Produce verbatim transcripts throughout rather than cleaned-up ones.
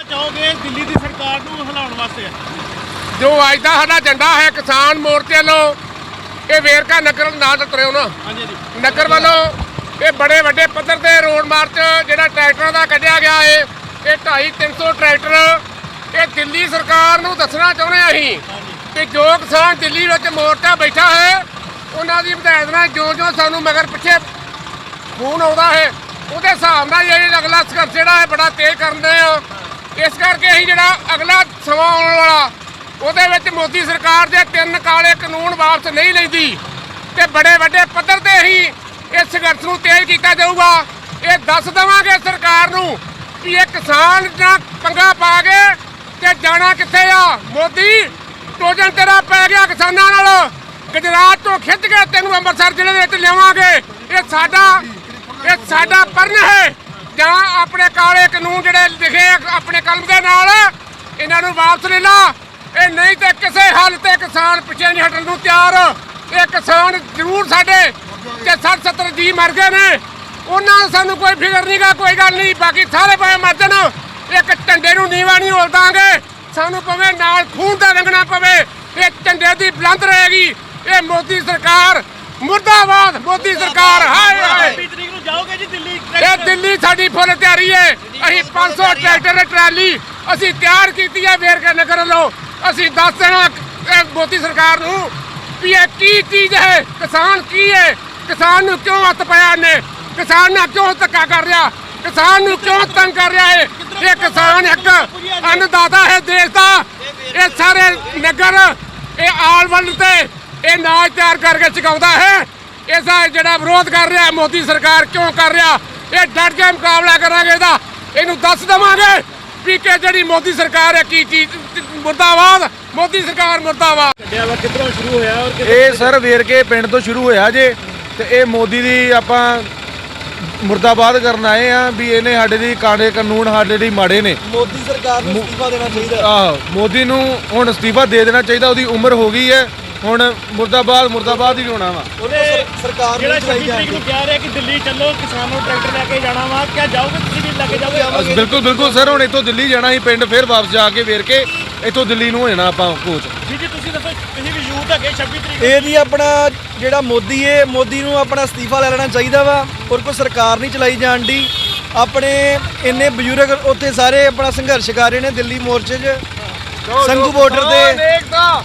ਚਾਹੋਗੇ ਦਿੱਲੀ ਦੀ ਸਰਕਾਰ ਨੂੰ ਹਿਲਾਉਣ ਵਾਸਤੇ? ਜੋ ਅੱਜ ਦਾ ਸਾਡਾ ਝੰਡਾ ਹੈ ਕਿਸਾਨ ਮੋਰਚੇ ਵੱਲੋਂ, ਇਹ ਵੇਰਕਾ ਨਗਰ ਨਾਲ ਤੁਰਿਓ ਨਾ ਨਗਰ ਵੱਲੋਂ ਇਹ ਬੜੇ ਵੱਡੇ ਪੱਧਰ ਤੇ ਰੋਡ ਮਾਰਚ ਜਿਹੜਾ ਟਰੈਕਟਰਾਂ ਦਾ ਕੱਢਿਆ ਗਿਆ ਹੈ। ਇਹ ਢਾਈ ਤਿੰਨ ਸੌ ਟਰੈਕਟਰ ਇਹ ਦਿੱਲੀ ਸਰਕਾਰ ਨੂੰ ਦੱਸਣਾ ਚਾਹੁੰਦੇ ਹਾਂ ਅਸੀਂ ਕਿ ਜੋ ਕਿਸਾਨ ਦਿੱਲੀ ਵਿੱਚ ਮੋਰਚਾ ਬੈਠਾ ਹੈ ਉਹਨਾਂ ਦੀ ਹਦਾਇਤ ਨਾਲ ਜੋ ਜੋ ਸਾਨੂੰ ਮਗਰ ਪਿੱਛੇ ਫੋਨ ਆਉਂਦਾ ਹੈ ਉਹਦੇ ਹਿਸਾਬ ਨਾਲ ਇਹ ਅਗਲਾ ਸੰਘਰਸ਼ ਜਿਹੜਾ ਹੈ ਬੜਾ ਤੇਜ਼ ਕਰਦੇ ਆ। ਇਸ ਕਰਕੇ ਅਸੀਂ ਜਿਹੜਾ ਅਗਲਾ ਸਮਾਂ ਆਉਣ ਵਾਲਾ ਉਹਦੇ ਵਿੱਚ ਮੋਦੀ ਸਰਕਾਰ ਦੇ ਤਿੰਨ ਕਾਲੇ ਕਾਨੂੰਨ ਵਾਪਸ ਨਹੀਂ ਲੈਂਦੀ ਤੇ ਬੜੇ ਵੱਡੇ ਪੱਧਰ ਤੇ ਅਸੀਂ ਇਸ ਸੰਘਰਸ਼ ਨੂੰ ਤੇਜ਼ ਕੀਤਾ ਜਾਊਗਾ। ਇਹ ਦੱਸ ਦੇਵਾਂਗੇ ਸਰਕਾਰ ਨੂੰ ਕਿ ਇਹ ਕਿਸਾਨ ਨਾਲ ਪੰਗਾ ਪਾ ਕੇ ਤੇ ਜਾਣਾ ਕਿੱਥੇ ਆ। ਮੋਦੀ ਟੋਜਨ ਤੇਰਾ ਪੈ ਗਿਆ ਕਿਸਾਨਾਂ ਨਾਲ, ਗੁਜਰਾਤ ਤੋਂ ਖਿੱਚ ਕੇ ਤੈਨੂੰ ਅੰਮ੍ਰਿਤਸਰ ਜ਼ਿਲ੍ਹੇ ਦੇ ਵਿੱਚ ਲਿਆਵਾਂਗੇ। ਇਹ ਸਾਡਾ ਇਹ ਸਾਡਾ ਪਰਨ ਹੈ। ਜਾਂ ਆਪਣੇ ਕਾਲੇ ਕਾਨੂੰਨ ਜਿਹੜੇ ਲਿਖੇ ਆਪਣੇ ਕਲਮ ਦੇ ਨਾਲ ਇਹਨਾਂ ਨੂੰ ਵਾਪਸ ਲੈ ਲਾ, ਇਹ ਨਹੀਂ ਤੇ ਕਿਸੇ ਹੱਲ ਤੇ ਕਿਸਾਨ ਪਿੱਛੇ ਨਹੀਂ ਹਟਣ ਨੂੰ ਤਿਆਰ। ਇਹ ਕਿਸਾਨ ਜ਼ਰੂਰ ਸਾਡੇ ਤੇ ਸੱਠ ਸੱਤਰ ਜੀ ਮਰ ਗਏ ਨੇ, ਉਹਨਾਂ ਨੂੰ ਸਾਨੂੰ ਕੋਈ ਫਿਕਰ ਨਹੀਂ ਗਾ, ਕੋਈ ਗੱਲ ਨਹੀਂ, ਬਾਕੀ ਸਾਰੇ ਭਾਵੇਂ ਮਰ ਜਾਣ, ਇੱਕ ਝੰਡੇ ਨੂੰ ਨੀਵਾਂ ਨਹੀਂ ਹੋਲ ਦਾਂਗੇ। ਸਾਨੂੰ ਪਵੇ ਨਾਲ ਖੂਨ ਦਾ ਰੰਗਣਾ ਪਵੇ, ਇਹ ਝੰਡੇ ਦੀ ਬੁਲੰਦ ਰਹੇਗੀ। ਇਹ ਮੋਦੀ ਸਰਕਾਰ ਮੁਰਦਾਬਾਦ, ਮੋਦੀ ਸਰਕਾਰ ਹਾਏ ਹਾਏ। ਛੱਬੀ ਤਰੀਕ ਨੂੰ ਜਾਓਗੇ ਜੀ ਦਿੱਲੀ? ਇਹ ਦਿੱਲੀ ਸਾਡੀ ਫੁੱਲ ਤਿਆਰੀ ਹੈ। ਅਸੀਂ ਪੰਜ ਸੌ ਟਰੈਕਟਰ ਟਰਾਲੀ ਅਸੀਂ ਤਿਆਰ ਕੀਤੀ ਹੈ ਵੇਰਕਾ ਨਗਰ ਵੱਲੋਂ। ਅਸੀਂ ਦੱਸ ਦੇਣਾ ਮੋਦੀ ਸਰਕਾਰ ਨੂੰ ਵੀ ਇਹ ਕੀ ਚੀਜ਼ ਹੈ, ਕਿਸਾਨ ਕੀ ਹੈ, ਕਿਸਾਨ ਨੂੰ ਕਿਉਂ ਹੱਥ ਪਾਇਆ ਇਹਨੇ, ਕਿਸਾਨ ਨਾਲ ਕਿਉਂ ਧੱਕਾ ਕਰ ਰਿਹਾ, ਕਿਸਾਨ ਨੂੰ ਕਿਉਂ ਤੰਗ ਕਰ ਰਿਹਾ ਹੈ। ਇਹ ਕਿਸਾਨ ਇੱਕ ਅੰਨਦਾਤਾ ਹੈ ਦੇਸ਼ ਦਾ। ਇਹ ਸਾਰੇ ਨਗਰ ਇਹ ਆਲ ਵਰਲਡ ਤੇ ਇਹ ਨਾਚ ਤਿਆਰ ਕਰਕੇ ਚੁਕਾਉਂਦਾ ਹੈ। ਇਹਦਾ ਜਿਹੜਾ ਵਿਰੋਧ ਕਰ ਰਿਹਾ ਮੋਦੀ ਸਰਕਾਰ ਕਿਉਂ ਕਰ ਰਿਹਾ, ਇਹ ਡਟ ਕੇ ਮੁਕਾਬਲਾ ਕਰਾਂਗੇ ਇਹਦਾ। ਇਹਨੂੰ ਦੱਸ ਦੇਵਾਂਗੇ ਵੀ ਕਿ ਜਿਹੜੀ ਮੋਦੀ ਸਰਕਾਰ ਹੈ ਕੀ ਚੀਜ਼। ਮੁਰਦਾਬਾਦ ਮੋਦੀ ਸਰਕਾਰ, ਮੁਰਦਾਬਾਦ। ਕਿੱਧਰੋਂ ਸ਼ੁਰੂ ਹੋਇਆ ਔਰ ਇਹ ਸਰ ਵੇਰਕੇ ਪਿੰਡ ਤੋਂ ਸ਼ੁਰੂ ਹੋਇਆ ਜੇ ਤੇ ਇਹ ਮੋਦੀ ਦੀ ਆਪਾਂ ਮੁਰਦਾਬਾਦ ਕਰਨ ਆਏ ਆ ਵੀ ਇਹਨੇ ਸਾਡੇ ਦੀ ਕਾਲੇ ਕਾਨੂੰਨ ਸਾਡੇ ਲਈ ਮਾੜੇ ਨੇ। ਮੋਦੀ ਸਰਕਾਰ ਨੂੰ ਅਸਤੀਫਾ ਦੇਣਾ ਚਾਹੀਦਾ। ਆਹੋ ਮੋਦੀ ਨੂੰ ਹੁਣ ਅਸਤੀਫਾ ਦੇ ਦੇਣਾ ਚਾਹੀਦਾ, ਉਹਦੀ ਉਮਰ ਹੋ ਗਈ ਹੈ ਹੁਣ। ਮੁਰਦਾਬਾਦ ਮੁਰਦਾਬਾਦ ਹੀ ਹੋਣਾ ਵਾ। ਉਹਨੇ ਸਰਕਾਰ ਜਿਹੜਾ ਛੱਬੀ ਤਰੀਕ ਨੂੰ ਕਹਿ ਰਿਹਾ ਕਿ ਦਿੱਲੀ ਚੱਲੋ ਕਿਸਾਨ ਨੂੰ ਟਰੈਕਟਰ ਲੈ ਕੇ ਜਾਣਾ ਵਾ, ਕਿਆ ਜਾਓਗੇ ਤੁਸੀਂ ਵੀ ਲੈ ਕੇ ਜਾਓਗੇ? ਬਿਲਕੁਲ ਬਿਲਕੁਲ ਸਰ, ਹੁਣ ਇੱਥੋਂ ਦਿੱਲੀ ਜਾਣਾ ਸੀ ਪਿੰਡ, ਫਿਰ ਵਾਪਸ ਜਾ ਕੇ ਵੇਰ ਕੇ ਇੱਥੋਂ ਦਿੱਲੀ ਨੂੰ ਹੋ ਜਾਣਾ ਆਪਾਂ ਕੋਚ। ਜੀ ਜੀ ਤੁਸੀਂ ਦੱਸੋ, ਤੁਸੀਂ ਵੀ ਯੂਥ ਹੈਗੇ ਛੱਬੀ ਤਰੀਕ ਇਹ ਜੀ ਆਪਣਾ ਜਿਹੜਾ ਮੋਦੀ ਹੈ, ਮੋਦੀ ਨੂੰ ਆਪਣਾ ਅਸਤੀਫਾ ਲੈ ਲੈਣਾ ਚਾਹੀਦਾ ਵਾ। ਔਰ ਕੋਈ ਸਰਕਾਰ ਨਹੀਂ ਚਲਾਈ ਜਾਣ ਦੀ। ਆਪਣੇ ਇੰਨੇ ਬਜ਼ੁਰਗ ਉੱਥੇ ਸਾਰੇ ਆਪਣਾ ਸੰਘਰਸ਼ ਕਰ ਰਹੇ ਨੇ ਦਿੱਲੀ ਮੋਰਚੇ 'ਚ ਸੰਘੂ ਬਾਰਡਰ ਤੇ।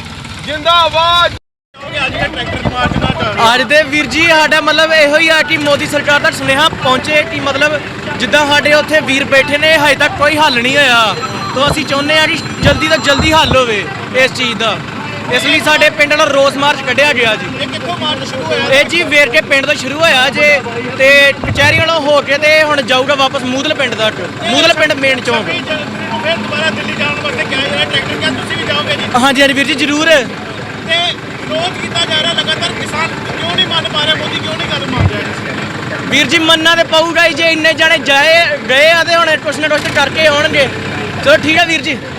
ਜਿੰਦਾਬਾਦ। ਅੱਜ ਦਾ ਟਰੈਕਟਰ ਮਾਰਚ ਦਾ ਅੱਜ ਦੇ ਵੀਰ ਜੀ ਸਾਡਾ ਮਤਲਬ ਇਹੋ ਹੀ ਆ ਕਿ ਮੋਦੀ ਸਰਕਾਰ ਦਾ ਸੁਨੇਹਾ ਪਹੁੰਚੇ ਕਿ ਮਤਲਬ ਜਿੱਦਾਂ ਸਾਡੇ ਉੱਥੇ ਵੀਰ ਬੈਠੇ ਨੇ ਹਜੇ ਤੱਕ ਕੋਈ ਹੱਲ ਨਹੀਂ ਹੋਇਆ, ਤਾਂ ਅਸੀਂ ਚਾਹੁੰਦੇ ਆ ਕਿ ਜਲਦੀ ਤੋਂ ਜਲਦੀ ਹੱਲ ਹੋਵੇ ਇਸ ਚੀਜ਼ ਦਾ। ਇਸ ਲਈ ਸਾਡੇ ਪਿੰਡ ਨਾਲ ਰੋਸ ਮਾਰਚ ਕੱਢਿਆ ਗਿਆ ਜੀ। ਇਹ ਕਿੱਥੋਂ ਮਾਰਚ ਸ਼ੁਰੂ ਹੋਇਆ? ਇਹ ਜੀ ਵੇਰਕੇ ਪਿੰਡ ਤੋਂ ਸ਼ੁਰੂ ਹੋਇਆ ਜੇ ਤੇ ਕਚਹਿਰੀ ਵੱਲੋਂ ਹੋ ਕੇ ਤੇ ਹੁਣ ਜਾਊਗਾ ਵਾਪਸ ਮੂਦਲ ਪਿੰਡ ਤੱਕ, ਮੂਦਲ ਪਿੰਡ ਮੇਨ ਚੌਂਕ। ਫਿਰ ਦੁਬਾਰਾ ਦਿੱਲੀ ਜਾਣ ਵਾਸਤੇ ਕਿਹਾ ਜਾ ਰਿਹਾ ਟਰੈਕਟਰ, ਕਿਆ ਤੁਸੀਂ ਵੀ ਜਾਓਗੇ ਜੀ? ਹਾਂਜੀ ਹਾਂਜੀ ਵੀਰ ਜੀ ਜ਼ਰੂਰ। ਤੇ ਵਿਰੋਧ ਕੀਤਾ ਜਾ ਰਿਹਾ ਲਗਾਤਾਰ, ਕਿਸਾਨ ਕਿਉਂ ਨਹੀਂ ਮੰਨ ਪਾ ਰਿਹਾ, ਮੋਦੀ ਕਿਉਂ ਨਹੀਂ ਗੱਲ ਮੰਨ ਰਿਹਾ? ਵੀਰ ਜੀ ਮੰਨਣਾ ਤੇ ਪਊਗਾ ਹੀ, ਜੇ ਇੰਨੇ ਜਾਣੇ ਜਾਏ ਗਏ ਆ ਤੇ ਹੁਣ ਕੁਛ ਨਾ ਕੁਛ ਕਰਕੇ ਆਉਣਗੇ। ਚਲੋ ਠੀਕ ਹੈ ਵੀਰ ਜੀ।